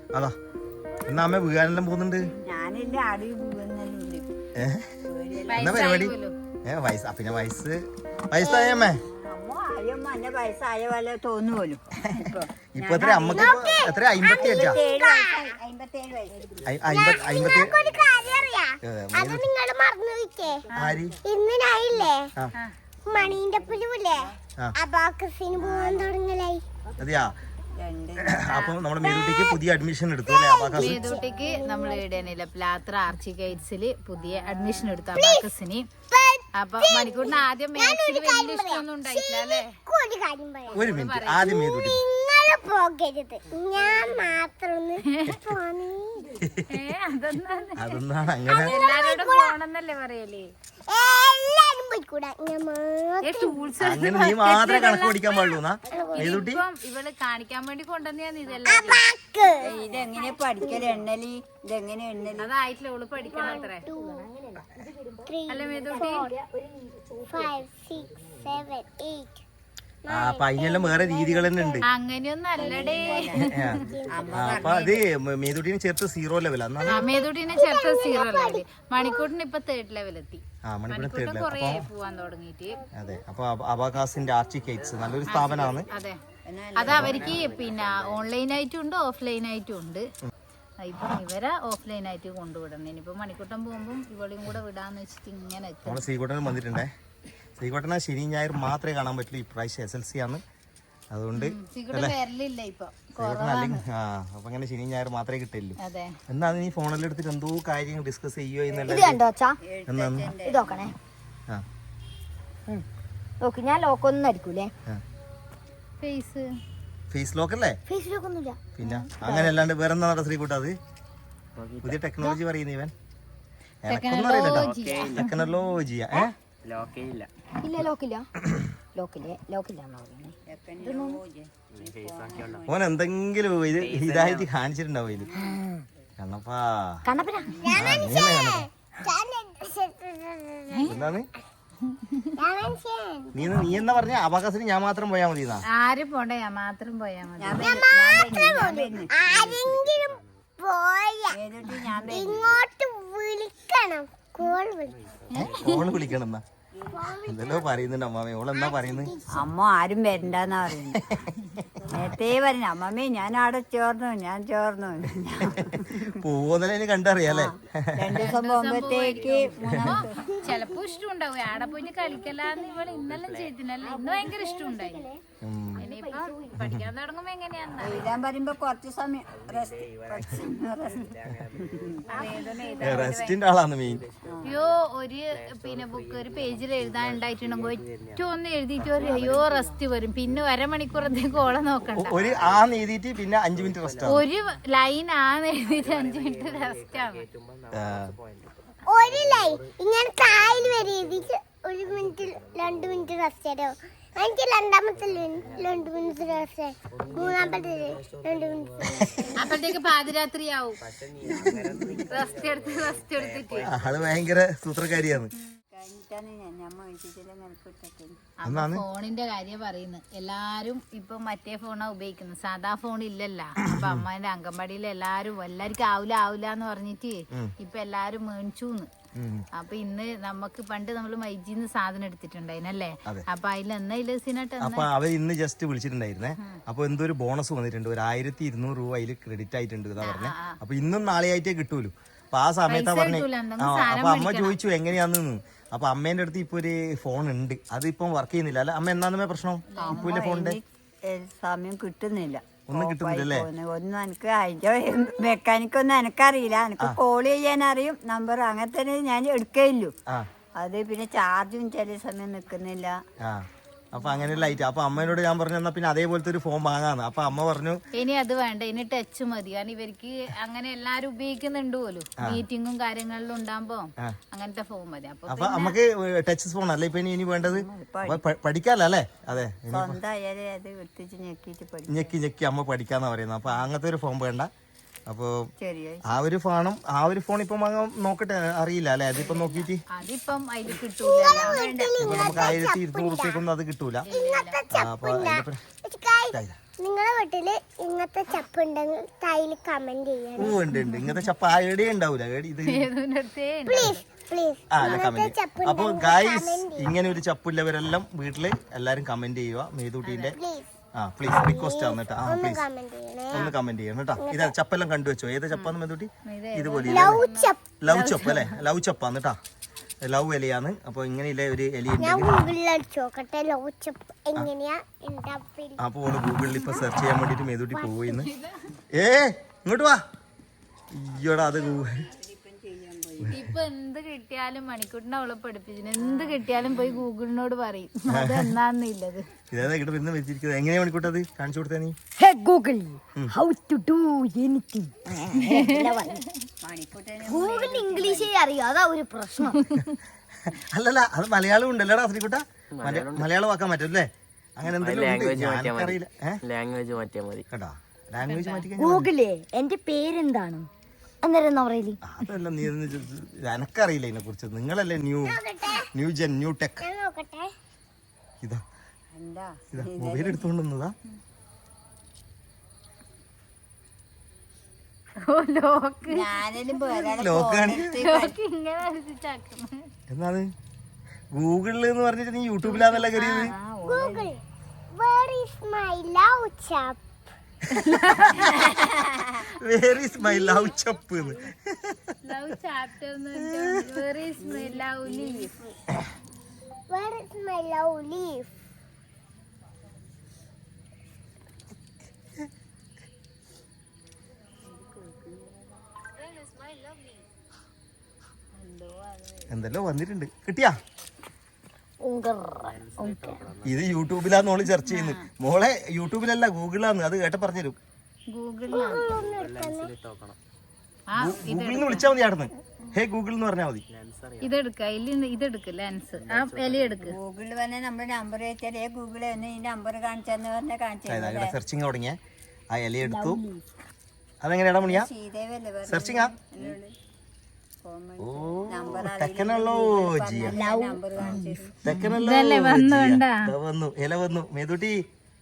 അതാ എന്നാ അമ്മ വീഴാനെല്ലാം പോകുന്നുണ്ട്. ഞാനില്ല അടി എന്നാ പരിപാടി? വയസ്സ് പിന്നെ വയസ്സായമ്മേ അമ്മ എന്നെ വയസ്സായ പോലെ തോന്നുപോലും. ഇപ്പൊ എത്ര അമ്മക്ക് എത്ര 55 അതെയാ. അപ്പൊ നമ്മുടെ മേതൂട്ടിക്ക് പുതിയ അഡ്മിഷൻ എടുത്തു അല്ലേ? മേതൂട്ടിക്ക് നമ്മൾ ഇടനില്ല പ്ലാത്ര ആർച്ചി ഗൈഡ്സില് പുതിയ അഡ്മിഷൻ എടുത്തു അബാക്കസിന്. അപ്പൊ മണിക്കൂറിന് ആദ്യം മാത്സിൽ വലിയ ഇഷ്ടമൊന്നും ഉണ്ടായിട്ടില്ല അല്ലേ? ഒരു മിനിറ്റ്, ആദ്യം മേതൂട്ടി പോകരുത്, ഞാൻ മാത്രം അതൊന്നാണ് അങ്ങനെ. എല്ലാരോടും പോണെന്നല്ലേ പറയല്ലേ? എല്ലാരും പോയിക്കൂടാ, അങ്ങനെ നീ മാത്രമേ കണക്ക് പഠിക്കാൻ പാടുള്ളൂ മേതൂട്ടി. ഇവള് കാണിക്കാൻ വേണ്ടി കൊണ്ടുവന്നെയാണ് ഇതെല്ലാം. ഇതെങ്ങനെ പഠിക്കല് എണ്ണലി? ഇതെങ്ങനെ എണ്ണലി? അതായിട്ടില്ല, ഓള് പഠിക്കണം അത്രേ അല്ലേ മേതൂട്ടി? 5, 6, 7, 8. അപ്പൊ അതിനെല്ലാം വേറെ രീതികൾ തന്നെ ഉണ്ട്. അങ്ങനെയൊന്നും അല്ലടേ. അപ്പൊ അത് മേതൂട്ടിനെ ചേർത്ത് 0 ലെവൽ. മേതൂട്ടിനെ ചേർത്ത് 0 ലെവല്. മണിക്കൂട്ടിന് ഇപ്പൊ 3rd ലെവലെത്തി. മണിക്കൂട്ടിന് കൊറേ പോവാൻ തുടങ്ങിയിട്ട്. അതെ. അപ്പൊ അബാകാസിന്റെ ആർച്ചി ഗൈഡ്സ് നല്ലൊരു സ്ഥാപനമാണ്. അതെ, അത് അവർക്ക് പിന്നെ ഓൺലൈൻ ആയിട്ടും ഉണ്ട് ഓഫ്ലൈൻ ആയിട്ടും ഉണ്ട്. ഇപ്പം ഇവരെ ഓഫ്ലൈൻ ആയിട്ട് കൊണ്ടുവിടണം. ഇനിയിപ്പോ മണിക്കൂട്ടം പോകുമ്പോ ഇവളെയും കൂടെ വിടാന്ന് വെച്ചിട്ട് ഇങ്ങനെ നമ്മള് ശ്രീകോട്ടനും വന്നിട്ടുണ്ടേ. ശ്രീകോട്ടന ശനി ഞായർ മാത്രമേ കാണാൻ പറ്റുള്ളൂ. ഇപ്രാവശ്യം SLC ആണ്, അതുകൊണ്ട് അപ്പൊ അങ്ങനെ ശനി ഞായർ മാത്രമേ കിട്ടില്ലൂ. എന്നാ നീ ഫോണിൽ എടുത്തിട്ട് എന്തോ കാര്യങ്ങൾ ഡിസ്കസ് ചെയ്യോ നോക്ക്, ഞാൻ ലോക്കൊന്നും അടിക്കൂലേ? ഫേസ് ലോക്ക് അല്ലേ? പിന്നെ അങ്ങനെ അല്ലാണ്ട് വേറെ എന്താ ശ്രീകൂട്ട? അത് പുതിയ ടെക്നോളജി പറയുന്ന ഇവൻ എനക്കൊന്നും അറിയില്ലട്ടോ. ടെക്നോളജിയാ. ഓൻ എന്തെങ്കിലും ഇതായിട്ട് കാണിച്ചിട്ടുണ്ടാവും ഇതില്. കണ്ണപ്പാ എന്താണ് നീ എന്നാ പറഞ്ഞ? അബാക്കസിന് ഞാൻ മാത്രം പോയാ മതി. ആരും പോണ്ട, ഞാൻ മാത്രം പോയാ മതി. ഇങ്ങോട്ട് വിളിക്കണം, കോൾ വിളിക്കണം എന്നാ എന്തെല്ലോ പറയുന്നുണ്ട് അമ്മാമേ. ഓളെന്നാ പറയുന്നത്? അമ്മ ആരും വരണ്ടെന്നാ പറയുന്നത്. നേരത്തെ പറഞ്ഞു അമ്മമ്മേ ഞാൻ അവിടെ ചേർന്നു പോകുന്നതിന് കണ്ടറിയാലേ. 2 ദിവസം പോകുമ്പോഴത്തേക്ക് ചെലപ്പോ ഇഷ്ടം ഉണ്ടാവും. ആടെ പോയി കളിക്കലാന്ന് ഇവള് ഇന്നെല്ലാം ചെയ്തിനല്ലേ. ഇന്ന് ഭയങ്കര ഇഷ്ടം ഉണ്ടായി. ഇനിയിപ്പൊ പഠിക്കാൻ തുടങ്ങുമ്പോ എങ്ങനെയാന്ന് എഴുതാൻ പറയുമ്പോ കുറച്ച് സമയം റെസ്റ്റിന്റെ ആളാണ് മെയിൻ. അയ്യോ, ഒരു പിന്നെ ബുക്ക് ഒരു പേജിൽ എഴുതാൻ ഉണ്ടായിട്ടുണ്ടെങ്കിൽ ഒറ്റ ഒന്ന് എഴുതിയിട്ട് അയ്യോ റെസ്റ്റ് വരും. പിന്നെ 1/2 മണിക്കൂറത്തേക്ക് ഓളെ നോക്കണ്ട. ഒരു എഴുതിയിട്ട് പിന്നെ 5 മിനിറ്റ് റെസ്റ്റ്. ഒരു ലൈൻ എഴുതിയിട്ട് 5 മിനിറ്റ് റെസ്റ്റ് ആണ്. ഒരു ലൈൻ ഇങ്ങനെ കായൽ വരെ എഴുതിയിട്ട് 1 മിനിറ്റ് 2 മിനിറ്റ് റെസ്റ്റ് തരോ? എനിക്ക് രണ്ടാമത്തെ 2 മിനിറ്റ് റെസ്റ്റ്, മൂന്നാമത്തെ 2 മിനിറ്റ്. അപ്പോഴത്തേക്ക് പാതിരാത്രിയാവും റെസ്റ്റ് എടുത്തിട്ട്. അത് ഭയങ്കര സൂത്രക്കാരിയാണ്. ഫോണിന്റെ കാര്യം പറയുന്നത് എല്ലാരും ഇപ്പൊ മറ്റേ ഫോണാ ഉപയോഗിക്കുന്നത്, സാധാ ഫോൺ ഇല്ലല്ലോ. അപ്പൊ അമ്മേന്റെ അംഗൻവാടിയിൽ എല്ലാവർക്കും ആവില്ല എന്ന് പറഞ്ഞിട്ട് ഇപ്പൊ എല്ലാരും മേടിച്ചൂന്ന്. അപ്പൊ ഇന്ന് നമുക്ക് പണ്ട് നമ്മള് മൈജിന്ന് സാധനം എടുത്തിട്ടുണ്ടായിരുന്നല്ലേ? അപ്പൊ അതിൽ അപ്പൊ അവർ ഇന്ന് ജസ്റ്റ് വിളിച്ചിട്ടുണ്ടായിരുന്നേ. അപ്പൊ എന്തോ ഒരു ബോണസ് വന്നിട്ടുണ്ട്, ഒരു 1200 രൂപ അതിൽ ക്രെഡിറ്റ് ആയിട്ടുണ്ട് എന്നാ പറഞ്ഞേ. അപ്പൊ ഇന്നും നാളെ ആയിട്ടേ കിട്ടൂലൂ. അപ്പൊ ആ സമയത്താ പറഞ്ഞേ. അപ്പൊ അമ്മ ചോദിച്ചു എങ്ങനെയാന്ന്. അപ്പൊ അമ്മേന്റെ അടുത്ത് ഇപ്പൊ ഒരു ഫോൺ ഉണ്ട്, അതിപ്പം വർക്ക് ചെയ്യുന്നില്ല അല്ലെ? അമ്മ എന്നാ പ്രശ്നം? ഇപ്പൊ ഫോണിന്റെ സമയം കിട്ടുന്നില്ല, ഒന്നും കിട്ടുന്നില്ലല്ലേ? ഒന്നും എനിക്ക് അതിന്റെ മെക്കാനിക്കൊന്നും എനിക്കറിയില്ല. എനിക്ക് കോൾ ചെയ്യാൻ അറിയും, നമ്പർ അങ്ങനെ തന്നെ ഞാൻ എടുക്കേയില്ലു. അത് പിന്നെ ചാർജും ചില സമയം നിക്കുന്നില്ല. അപ്പൊ അങ്ങനെ ലൈറ്റ്. അപ്പൊ അമ്മേനോട് ഞാൻ പറഞ്ഞു എന്നാ പിന്നെ അതേപോലത്തെ ഒരു ഫോൺ വാങ്ങാന്ന്. അപ്പൊ അമ്മ പറഞ്ഞു ഇനി അത് വേണ്ട, ഇനി ടച്ച് മതി. കാരണം ഇവർക്ക് അങ്ങനെ എല്ലാരും ഉപയോഗിക്കുന്നുണ്ട് പോലും, മീറ്റിങ്ങും കാര്യങ്ങളിലും ഉണ്ടാകുമ്പോ അങ്ങനത്തെ ഫോൺ മതി. അപ്പൊ നമുക്ക് ടച്ച് ഫോൺ അല്ലേ ഇപ്പൊ ഇനി വേണ്ടത്? പഠിക്കാല്ലോ അല്ലേ? അതെ, ഞെക്കി അമ്മ പഠിക്കാന്നാ പറയുന്നത്. അപ്പൊ അങ്ങനത്തെ ഒരു ഫോൺ വേണ്ട. അപ്പൊ ആ ഒരു ഫോൺ ഇപ്പം നോക്കട്ടെ, അറിയില്ല അല്ലെ? അതിപ്പം നോക്കിട്ട് നമുക്ക് 1200 റുപ്യക്കൊന്നും അത് കിട്ടൂല. അപ്പൊ നിങ്ങളുടെ വീട്ടില് ഇങ്ങനത്തെ ചപ്പ് ഉണ്ടെങ്കിൽ തായിൽ കമന്റ് ചെയ്യണം. ഓ ഉണ്ട് ഇങ്ങനത്തെ ചപ്പ എവിടെ ഉണ്ടാവൂല ഇത് പ്ലീസ് പ്ലീസ്. ആ അല്ല കമന്റ്. അപ്പൊ ഗൈസ് ഇങ്ങനെ ഒരു ചപ്പില്ലവരെല്ലാം വീട്ടില് എല്ലാരും കമന്റ് ചെയ്യുക മേതൂട്ടിന്റെ. ആ പ്ലീസ് റിക്വസ്റ്റ് ആണ് കേട്ടോ. ആ പ്ലീസ് ഒന്ന് കമന്റ് ചെയ്യണം കേട്ടോ. ഇതാ ചപ്പെല്ലാം കണ്ടുവെച്ചോ. ഏത് ചപ്പാന്ന് മേതൂട്ടി? ഇതുപോലെ ലവ് ചപ്പ് അല്ലെ? ലവ് ചപ്പാന്ന് കേട്ടാ. ലവ് ഇലയാണ്. അപ്പൊ ഇങ്ങനെയുള്ള ഒരു ഇല അപ്പൊ ഗൂഗിളിൽ ഇപ്പൊ സെർച്ച് ചെയ്യാൻ വേണ്ടിട്ട് മേതൂട്ടി പോയിന്ന്. ഇങ്ങോട്ട് വാ. അയ്യോടാ അത് ഇപ്പൊ എന്ത് കിട്ടിയാലും മണിക്കൂട്ടിനെ അവളെ പഠിപ്പിച്ചു. എന്ത് കിട്ടിയാലും പോയി ഗൂഗിളിനോട് പറയും അത് എന്നാന്നില്ലത്. ഇതേതാ ഇവിടെ പിന്നെ വെച്ചിരിക്കുന്നത്? എങ്ങനെയാ മണിക്കൂട്ടത് കാണിച്ചു കൊടുത്തേ നീ? Google how to do anything. Google ഇംഗ്ലീഷേ അറിയോ, അതാ ഒരു പ്രശ്നം. അല്ലല്ല അത് മലയാളം ഉണ്ടല്ലോടാ ശ്രീകുട്ട. മലയാളം ആക്കാൻ പറ്റല്ലേ? അങ്ങനെ എന്തെങ്കിലും അറിയില്ല. ലാംഗ്വേജ് മാറ്റിയാൽ മതി കേട്ടോ. ലാംഗ്വേജ് മാറ്റി ഗൂഗിളേ എന്റെ പേരെന്താണ് അന്നേരം പറയല്? അതല്ല നീ എനക്കറിയില്ല ഇതിനെ കുറിച്ച്. നിങ്ങളല്ലേ ന്യൂ ജെൻ ന്യൂ ടെക്. ഇതാ മൊബൈൽ എടുത്തോണ്ടുന്നതാ. എന്നാണ് ഗൂഗിളിൽ എന്ന് പറഞ്ഞിട്ട് നീ യൂട്യൂബിലാന്നല്ല കയറിയത്. Where is my love chap? Love chapter. Where is my love leaf? Where is my love leaf? എന്തെല്ലോ വന്നിട്ടുണ്ട്. കിട്ടിയാ? ഇത് യൂട്യൂബിലാന്ന് മോള് സെർച്ച് ചെയ്യുന്നത്. മോളെ യൂട്യൂബിലല്ല ഗൂഗിളിലാന്ന്. അത് കേട്ട പറഞ്ഞുതരും. ഗൂഗിളിൽ വിളിച്ചാ മതി ആടുന്ന്. ഹേ ഗൂഗിൾ എന്ന് പറഞ്ഞാൽ മതി. ഇതെടുക്ക് ലെൻസ്. ആ ഇല എടുക്ക്. ഗൂഗിളിൽ വന്നെ നമ്മുടെ നമ്പർ വെച്ചാലേ ഗൂഗിളിൽ വന്ന് ഈ നമ്പർ കാണിച്ചെന്ന് പറഞ്ഞാൽ കാണിച്ചു. സെർച്ചിങ് തുടങ്ങിയ ആ ഇല എടുത്തു. അതെങ്ങനെയാടാ മണിയാ സെർച്ചിങ്? വന്നു ഇല വന്നു. മേതൂട്ടി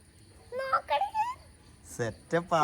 സെറ്റപ്പാ.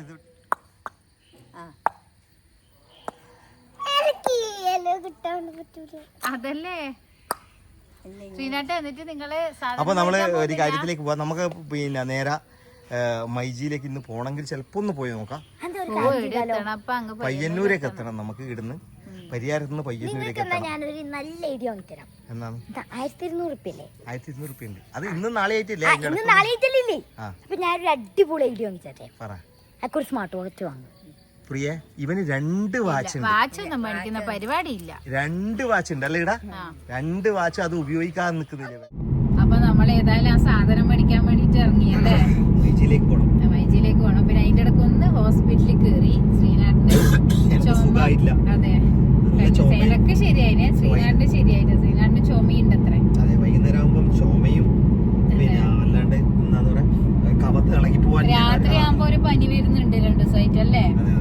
അതല്ലേ ശ്രീനാട്ട്. എന്നിട്ട് നിങ്ങള് അപ്പൊ നമ്മള് ഒരു കാര്യത്തിലേക്ക് പോവാം. നമുക്ക് പിന്നെ നേരെ മൈജിയിലേക്ക് ഇന്ന് പോണെങ്കിൽ ചിലപ്പോ ഒന്ന് പോയി നോക്കാം. പയ്യന്നൂരേക്ക് എത്തണം നമുക്ക്. ഇടുന്ന് പരിയാരത്ത് നിന്ന് പയ്യന്നൂരേക്ക് എത്തണം. ഞാനൊരു നല്ല ഐഡിയ വാങ്ങിത്തരാം. എന്നാണ്? 1200 റുപ്യല്ലേ? 1200 റുപ്യ ഉണ്ട്. അത് ഇന്നും നാളെ ആയിട്ടില്ലേ? ഇന്ന് നാളെ ആയിട്ടില്ലേ? അപ്പൊ ഞാനൊരു അടിപൊളി ഐഡിയ വാങ്ങിച്ചേ. ഒരു സ്മാർട്ട് വാച്ച് വാങ്ങും. പ്രിയ ഇവന് 2 വാച്ച് ഉണ്ട്. വാച്ചൊന്നും മേടിക്കുന്ന പരിപാടിയില്ല. 2 വാച്ച് ഉണ്ട് അല്ലേ ഇടാ? 2 വാച്ച് അത് ഉപയോഗിക്കാൻ നിൽക്കുന്നില്ല. അപ്പൊ നമ്മൾ ഏതായാലും ആ സാധനം മേടിക്കാൻ വേണ്ടിട്ട് ഇറങ്ങിയല്ലേ? മൈജിയിലേക്ക് പോകണം. മൈജിയിലേക്ക് പോകണം. പിന്നെ അതിന്റെ ഇടയ്ക്ക് ഒന്ന് ഹോസ്പിറ്റലിൽ കയറി. ശ്രീനാടിന്റെ അതെ എനിക്ക് ശരിയായിനെ. ശ്രീനാടിന്റെ ശരിയായിട്ട്. ശ്രീനാടിന്റെ ചുമയുണ്ട് അത്ര. അതെ വൈകുന്നേരം ആകുമ്പോൾ ചുമയും പിന്നെ അല്ലാണ്ട് എന്താന്ന് പറയാ കവത്ത് ഇളകി പോവാൻ. രാത്രി ആകുമ്പോ ഒരു പനി വരുന്നുണ്ട് 2 ദിവസമായിട്ട് അല്ലേ?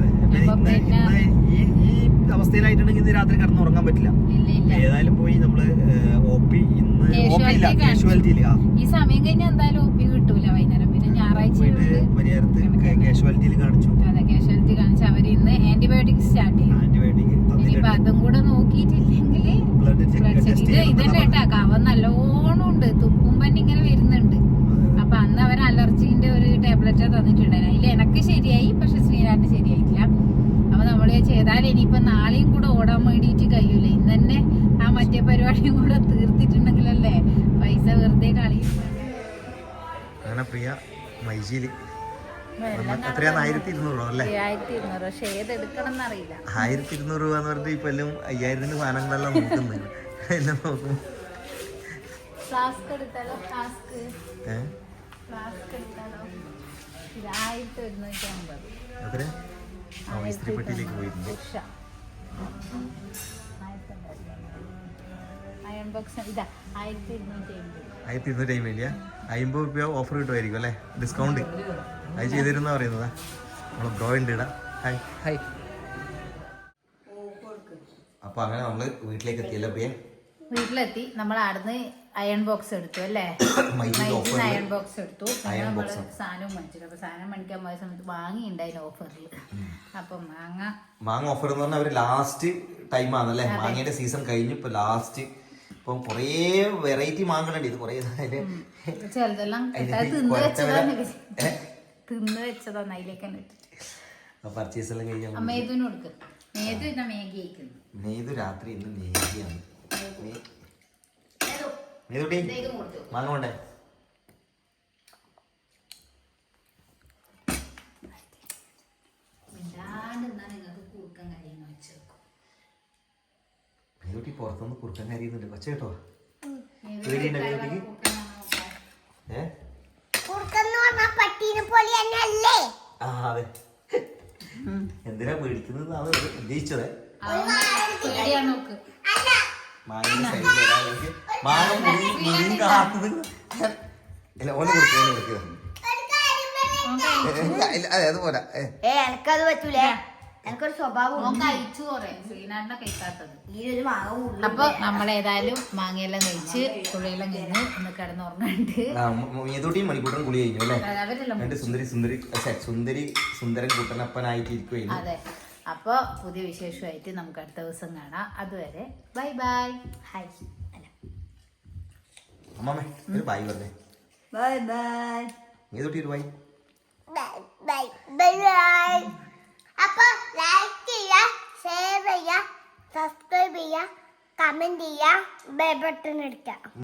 ഈ അവസ്ഥയിലായിട്ടുണ്ടെങ്കിൽ ഇന്ന് രാത്രി കിടന്ന് ഉറങ്ങാൻ പറ്റില്ല. ഏതായാലും പോയി നമ്മള് OP ഇന്ന് ഈ സമയം കഴിഞ്ഞാൽ എന്തായാലും OP കിട്ടൂല വൈകുന്നേരം. പിന്നെ ഞായറാഴ്ച പരിഹാരത്ത് കാഷ്വാലിറ്റിയിൽ കാണിച്ചു. അതെ കാഷ്വാലിറ്റി കാണിച്ചു. അവര് ഇന്ന് ആന്റിബയോട്ടിക് സ്റ്റാർട്ട് ചെയ്യും. ഇനിയിപ്പൊ അതും കൂടെ നോക്കിയിട്ടില്ലെങ്കിൽ ഇതന്നെ കേട്ടാ കവം നല്ലോണം ഉണ്ട്. തുപ്പും പനി ഇങ്ങനെ വരുന്നുണ്ട്. അപ്പൊ അന്ന് അവർ അലർജിന്റെ ഒരു ടാബ്ലറ്റ് തന്നിട്ടുണ്ടായിരുന്നു. അതിൽ എനക്ക് ശരിയായി, പക്ഷെ ശ്രീനാടിന് ശരിയായിട്ടില്ല. അപ്പൊ നമ്മള് ചെയ്താൽ ഇനിയിപ്പൊ നാളെയും കൂടെ ഓടാൻ വേണ്ടിയിട്ട് കഴിയൂല. ഇന്ന് തന്നെ ആ മറ്റേ പരിപാടിയും കൂടെ തീർത്തിട്ടുണ്ടെങ്കിലല്ലേ പൈസ വെറുതെ കളയും. അങ്ങനെ പ്രിയ മൈജിയില് എത്രയാ? 1200 രൂപ അല്ലേ? 1200. പക്ഷെ ഏതെടുക്കണം എന്നറിയില്ല. 1200 രൂപ എന്ന് പറഞ്ഞിട്ട് ഇപ്പൊ എല്ലാം 5000 സാധനങ്ങളെല്ലാം നോക്കുന്നത്. എല്ലാം നോക്കും. ഫ്ലാസ്ക് എടുത്താലോ? ഫ്ലാസ്ക് എടുത്താലോ? ഇത് 1150. എത്ര? ഇസ്ത്രീപ്പെട്ടിയിലേക്ക് പോയിട്ടുണ്ട്. അയൺ ബോക്സ് ഇതാ 1250. 1250 50 രൂപ ഓഫർ കിട്ടുമായിരിക്കും അല്ലേ? ഡിസ്കൗണ്ട് അത് ചെയ്തിരുന്നാ പറയുന്നതാ. നമ്മള് ബ്രോ ഉണ്ട് ഇടാ. ഹായ്. അപ്പൊ അങ്ങനെ നമ്മള് വീട്ടിലേക്ക് എത്തിയല്ലോ പ്രിയ. വീട്ടിലെത്തി നമ്മൾ അവിടുന്ന് അയൺ ബോക്സ് എടുത്തു അല്ലേ, അയൺ ബോക്സ് എടുത്തു. പിന്നെ നമ്മള് സാധനം മേടിച്ചിട്ട്, അപ്പൊ സാധനം മേടിക്കാൻ പോയ സമയത്ത് വാങ്ങിണ്ടായിരുന്നു ഓഫറിൽ. അപ്പൊ മാങ്ങ ഓഫർ എന്ന് പറഞ്ഞാൽ അവര് ലാസ്റ്റ് ടൈം ആണല്ലേ, മാങ്ങയുടെ സീസൺ കഴിഞ്ഞു. ഇപ്പൊ ലാസ്റ്റ് ഇപ്പം കൊറേ വെറൈറ്റി മാങ്ങകളുണ്ട്. ഇത് കൊറേ ചിലതെല്ലാം തിന്ന് വെച്ചതാണ് അതിലേക്ക് തന്നെ ഇട്ടിട്ട് പർച്ചേസ് എല്ലാം കഴിഞ്ഞാൽ മേതുവിന് കൊടുക്കും. മേതു ഇന്ന മേഗി കഴിക്കുന്നു. മേതു രാത്രി ഇന്ന് മേഗിയാണ്. മേതുട്ടി മാങ്ങ കൊണ്ടേ മേതുട്ടി പുറത്തുനിന്ന് കുറുക്കൻ കരിയുന്നുണ്ട്. കൊച്ച കേട്ടോ പേടിയുണ്ടോ മേതുട്ടിക്ക്? പട്ടീനെ പോലെ തന്നെ അല്ലേ? ആ അതെ. എന്തിനാ പേടിക്കുന്നത് ഉദ്ദേശിച്ചത്? മാങ്ങയുടെ സൈഡിൽ വരാൻ മാങ്ങ മുറിയും കാത്തത്. അല്ല ഓനെ കൊടുക്കുക, ഓനെ കൊടുക്കുക. അതെ അത് പോരാ. എനക്കത് പറ്റൂലേ, എനിക്കൊരു സ്വഭാവം. അപ്പൊ നമ്മളേതായാലും മാങ്ങയെല്ലാം കഴിച്ച് കുളിയെല്ലാം കഴിഞ്ഞ് ഒന്ന് കിടന്നുറങ്ങുന്നുണ്ട്. മേതൂട്ടിയും മണിക്കൂട്ടനും കുളി കഴിഞ്ഞു അല്ലേ? രണ്ട് സുന്ദരൻ കൂട്ടനപ്പനായിട്ടിരിക്കുകയും. അതെ. അപ്പൊ പുതിയ വിശേഷമായിട്ട് നമുക്ക് അടുത്ത ദിവസം കാണാം. അതുവരെ ബൈ ബൈ. ഹായ് അമ്മമ്മേ ഒരു ബൈ പറഞ്ഞേ. By bye. മേതൂട്ടി ഒരു ബൈ. Bye bye bye. അപ്പൊ ലൈക്ക് ചെയ്യുക, ഷെയർ ചെയ്യുക, സബ്സ്ക്രൈബ് ചെയ്യുക, കമന്റ് ചെയ്യുക, ബെൽ ബട്ടൺ അടിക്കുക.